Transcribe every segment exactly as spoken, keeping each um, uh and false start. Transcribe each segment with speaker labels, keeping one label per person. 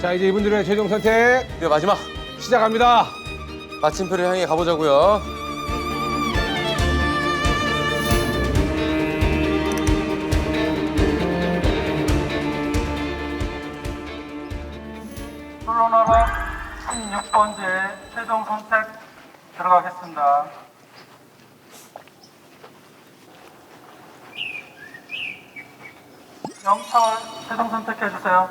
Speaker 1: 자, 이제 이분들의 최종 선택
Speaker 2: 네, 마지막
Speaker 1: 시작합니다.
Speaker 2: 마침표를 향해 가보자고요.
Speaker 3: 솔로나라 십육 번째 최종 선택 들어가겠습니다. 영철 최종 선택해주세요.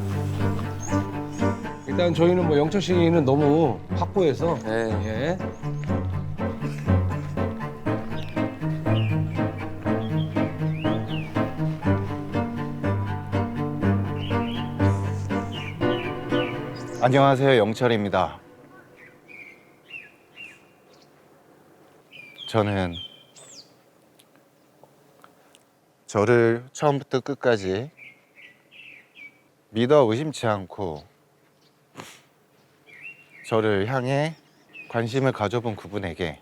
Speaker 1: 일단 저희는 뭐 영철 씨는 너무 확고해서
Speaker 2: 네.
Speaker 1: 예.
Speaker 4: 안녕하세요, 영철입니다. 저는 저를 처음부터 끝까지 믿어 의심치 않고 저를 향해 관심을 가져본 그분에게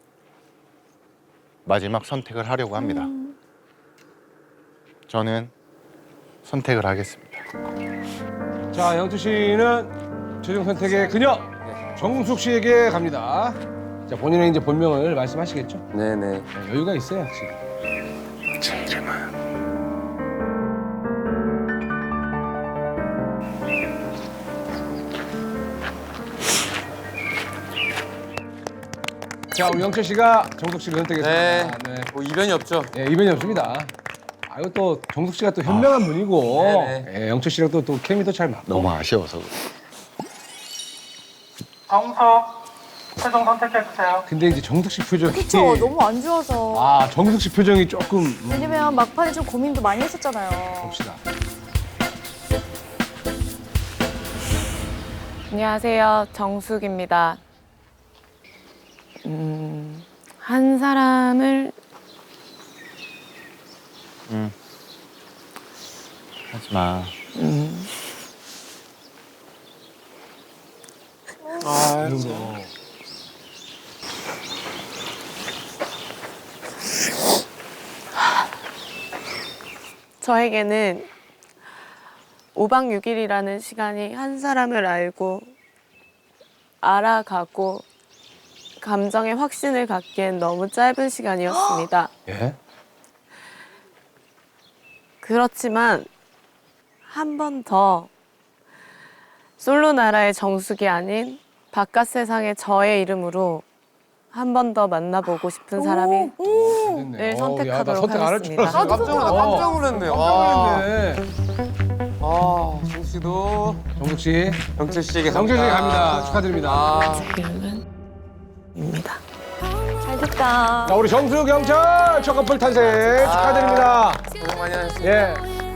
Speaker 4: 마지막 선택을 하려고 합니다. 저는 선택을 하겠습니다.
Speaker 1: 자, 영철 씨는 최종 선택의 그녀 정숙 씨에게 갑니다. 자, 본인의 이제 본명을 말씀하시겠죠?
Speaker 2: 네네.
Speaker 1: 네, 여유가 있어요, 지금.
Speaker 4: 제 이름은
Speaker 1: 자, 우리 영철 씨가 정숙 씨를 선택했습니다.
Speaker 2: 네.
Speaker 1: 네.
Speaker 2: 뭐 이변이 없죠.
Speaker 1: 예, 이변이 없습니다. 아, 이거 또 정숙 씨가 또 현명한 분이고
Speaker 2: 네네.
Speaker 1: 예, 영철 씨랑 또, 또 케미도 잘 맞고.
Speaker 4: 너무 아쉬워서 그래.
Speaker 3: 정석 최종 선택해주세요.
Speaker 1: 근데 이제 정숙 씨 표정이
Speaker 5: 그쵸, 너무 안 좋아서.
Speaker 1: 아, 정숙 씨 표정이 조금 음,
Speaker 5: 왜냐면 막판에 좀 고민도 많이 했었잖아요.
Speaker 1: 봅시다.
Speaker 6: 안녕하세요. 정숙입니다. 음, 한 사람을
Speaker 4: 응. 하지 마.
Speaker 6: 음,
Speaker 2: 아,
Speaker 1: 이런 거.
Speaker 6: 저에게는 오 박 육 일이라는 시간이 한 사람을 알고 알아가고 감정의 확신을 갖기엔 너무 짧은 시간이었습니다.
Speaker 1: 예?
Speaker 6: 그렇지만 한 번 더 솔로 나라의 정숙이 아닌 바깥 세상의 저의 이름으로 한 번 더 만나보고 싶은 사람이
Speaker 1: 됐네.
Speaker 6: 네,
Speaker 1: 어우, 야, 나
Speaker 6: 선택하도록
Speaker 1: 선택 안 할 줄
Speaker 6: 하겠습니다.
Speaker 1: 알았어.
Speaker 2: 깜짝 놀랐, 깜짝 놀랐네. 와.
Speaker 1: 깜짝 놀랐네.
Speaker 2: 아, 정숙 씨도
Speaker 1: 정숙 씨,
Speaker 2: 영철 씨에게
Speaker 1: 정철 씨 갑니다. 축하드립니다.
Speaker 2: 아,
Speaker 6: 이름은 입니다.
Speaker 5: 잘 됐다.
Speaker 1: 자, 우리 정숙, 영철 첫 커플 탄생 축하드립니다.
Speaker 2: 고생 많이 하셨습니다.
Speaker 1: 예,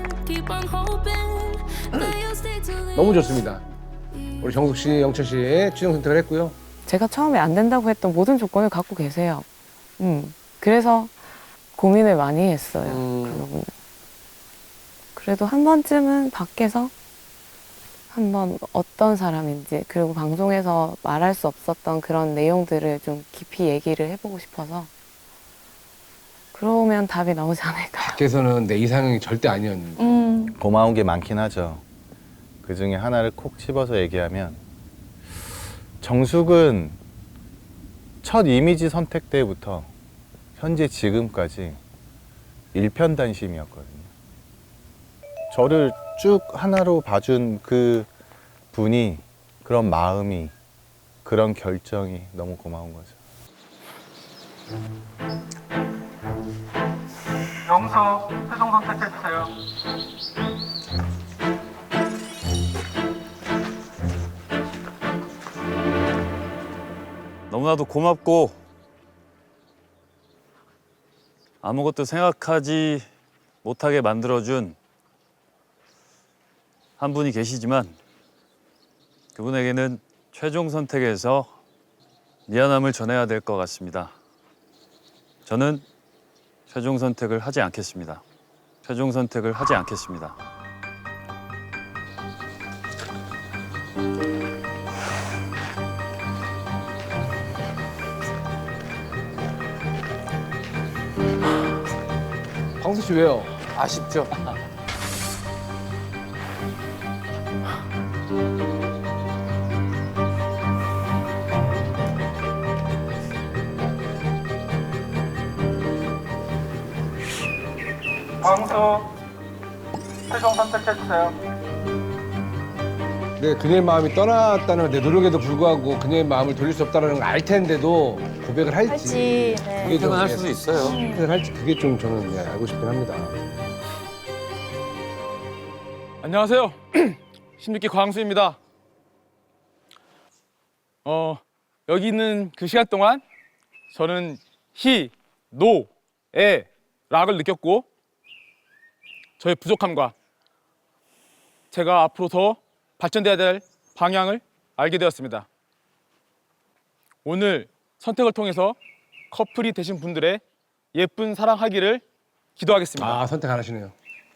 Speaker 1: 너무 좋습니다. 우리 정숙 씨, 영철 씨 최종 선택을 했고요.
Speaker 6: 제가 처음에 안 된다고 했던 모든 조건을 갖고 계세요. 음, 그래서 고민을 많이 했어요.
Speaker 2: 음.
Speaker 6: 그 부분은. 그래도 한 번쯤은 밖에서 한번 어떤 사람인지 그리고 방송에서 말할 수 없었던 그런 내용들을 좀 깊이 얘기를 해보고 싶어서 그러면 답이 나오지 않을까요?
Speaker 1: 밖에서는 내 이상형이 절대 아니었는데.
Speaker 5: 음.
Speaker 4: 고마운 게 많긴 하죠. 그 중에 하나를 콕 집어서 얘기하면 정숙은 첫 이미지 선택 때부터 현재 지금까지 일편단심이었거든요. 저를 쭉 하나로 봐준 그 분이, 그런 마음이, 그런 결정이 너무 고마운 거죠.
Speaker 3: 영석 최종 선택해주세요.
Speaker 7: 너무나도 고맙고 아무것도 생각하지 못하게 만들어준 한 분이 계시지만 그분에게는 최종 선택에서 미안함을 전해야 될 것 같습니다. 저는 최종 선택을 하지 않겠습니다. 최종 선택을 하지 않겠습니다.
Speaker 1: 광수 씨 왜요?
Speaker 2: 아쉽죠.
Speaker 3: 광수 최종 선택해 주세요.
Speaker 1: 네, 그녀의 마음이 떠났다는 내 노력에도 불구하고 그녀의 마음을 돌릴 수 없다는 걸 알 텐데도 고백을 할지.
Speaker 5: 할지. 네.
Speaker 1: 그게 좀
Speaker 2: 퇴근할
Speaker 1: 예,
Speaker 2: 수도 있어요.
Speaker 1: 선택을 할지 그게 좀 저는 예, 알고 싶긴 합니다.
Speaker 8: 안녕하세요. 십육 기 광수입니다. 어, 여기 있는 그 시간 동안 저는 희, 노, 에, 락을 느꼈고 저의 부족함과 제가 앞으로 더 발전돼야 될 방향을 알게 되었습니다. 오늘 선택을 통해서 커플이 되신 분들의 예쁜 사랑하기를 기도하겠습니다.
Speaker 1: 아, 선택 안 하시네요.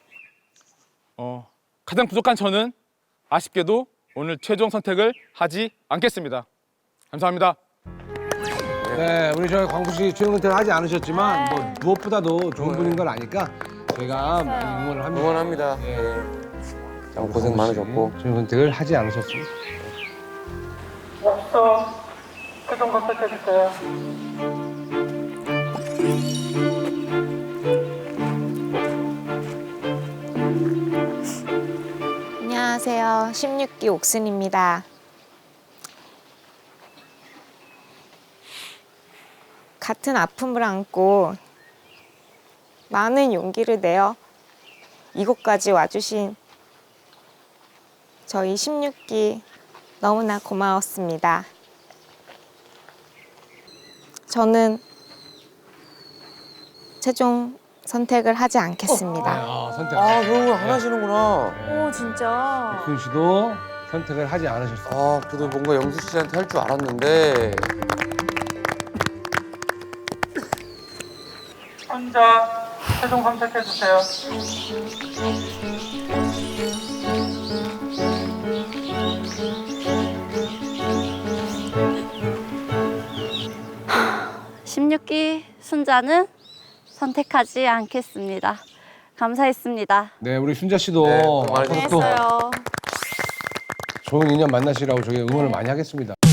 Speaker 8: 어, 가장 부족한 저는 아쉽게도 오늘 최종 선택을 하지 않겠습니다. 감사합니다.
Speaker 1: 네, 우리 저 광수 씨 최종 선택을 하지 않으셨지만 뭐 무엇보다도 좋은 분인 걸 아니까 저희가 많이 응원을 합니다.
Speaker 2: 응원합니다.
Speaker 1: 예.
Speaker 2: 예. 참 고생 많으셨고.
Speaker 1: 최종 선택을 하지 않으셨습니다.
Speaker 3: 옥서 최종 선택해 주세요.
Speaker 9: 안녕하세요. 십육 기 옥순입니다. 같은 아픔을 안고 많은 용기를 내어 이곳까지 와주신 저희 십육 기 너무나 고마웠습니다. 저는 최종 선택을 하지 않겠습니다.
Speaker 1: 아, 선택.
Speaker 2: 아, 그런 걸 안 하시는구나.
Speaker 5: 오, 진짜.
Speaker 1: 옥순 씨도 선택을 하지 않으셨어요.
Speaker 2: 아, 그래도 뭔가 영수 씨한테 할 줄 알았는데.
Speaker 3: 혼자 최종 선택해 주세요.
Speaker 10: 십육 기 순자는 선택하지 않겠습니다. 감사했습니다.
Speaker 1: 네, 우리 순자 씨도
Speaker 2: 네, 고생
Speaker 1: 앞으로 또
Speaker 5: 했어요.
Speaker 1: 좋은 인연 만나시라고 저희 응원을 많이 하겠습니다.